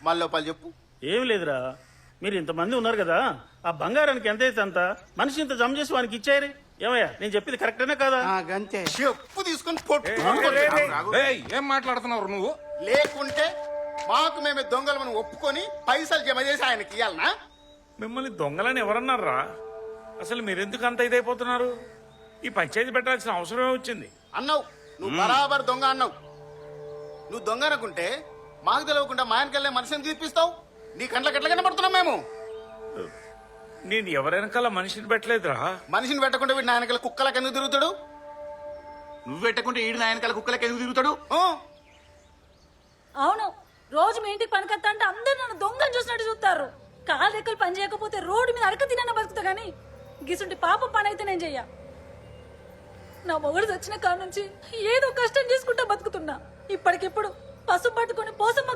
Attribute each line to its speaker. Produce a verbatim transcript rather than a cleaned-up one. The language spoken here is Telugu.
Speaker 1: మళ్ళీ పలు చెప్పు.
Speaker 2: ఏం లేదురా, మీరు ఇంతమంది ఉన్నారు కదా, ఆ బంగారానికి ఎంత అయితే అంత మనిషి ఇంత జమ చేసి వానికి ఇచ్చారు. ఏమయ్యా నేను చెప్పింది కరెక్టేనా కదా?
Speaker 3: గంతే.
Speaker 1: చెప్పు తీసుకొని పొట్టు
Speaker 4: ఏయ్, ఏం మాట్లాడుతున్నావు నువ్వు?
Speaker 1: లేకుంటే మాకు మేమే దొంగలు ఒప్పుకొని పైసలు జమ చేసి ఆయనకి ఇవ్వాలనా?
Speaker 4: మిమ్మల్ని దొంగలని ఎవరన్నారా? అసలు మీరెందుకు అంత ఇదైపోతున్నారు? ఈ పంచాయతీ పెట్టాల్సిన అవసరమే వచ్చింది.
Speaker 1: అన్నావు నువ్వు బరాబర్ దొంగ అన్నావు. నువ్వు దొంగ అనుకుంటే మాకు తెలియకుండా మా ఆయనకెళ్ళే మనిషిని తీర్పిస్తావు. నీ కంట్లకి ఎట్లా కనబడుతున్నాం మేము?
Speaker 4: నేను ఎవరెనకాల మనిషిని పెట్టలేదురా.
Speaker 1: మనిషిని పెట్టకుండా వీడు నాయనకల కుక్కలకి ఎందుకు తిరుగుతాడు?
Speaker 5: నువ్వు పెట్టకుంటే ఈడు నాయనకాల కుక్కలకి ఎందుకు తిరుగుతాడు?
Speaker 6: అవును, రోజు మీ ఇంటికి పనికొస్తా అంటే అందరు నన్ను దొంగని చూసినట్టు చూస్తారు. కాలు రెక్కలు పని చేయకపోతే రోడ్డు మీద అడక తినన్న బతుకుతా గానీ గిసుంటి పాప పని అయితే నేను చెయ్య. నా మొగుడు వచ్చిన కాడ నుంచి ఏదో కష్టం చేసుకుంటా బతుకుతున్నా. ఇప్పటికిప్పుడు పసుపు పట్టుకుని పోసమ్మ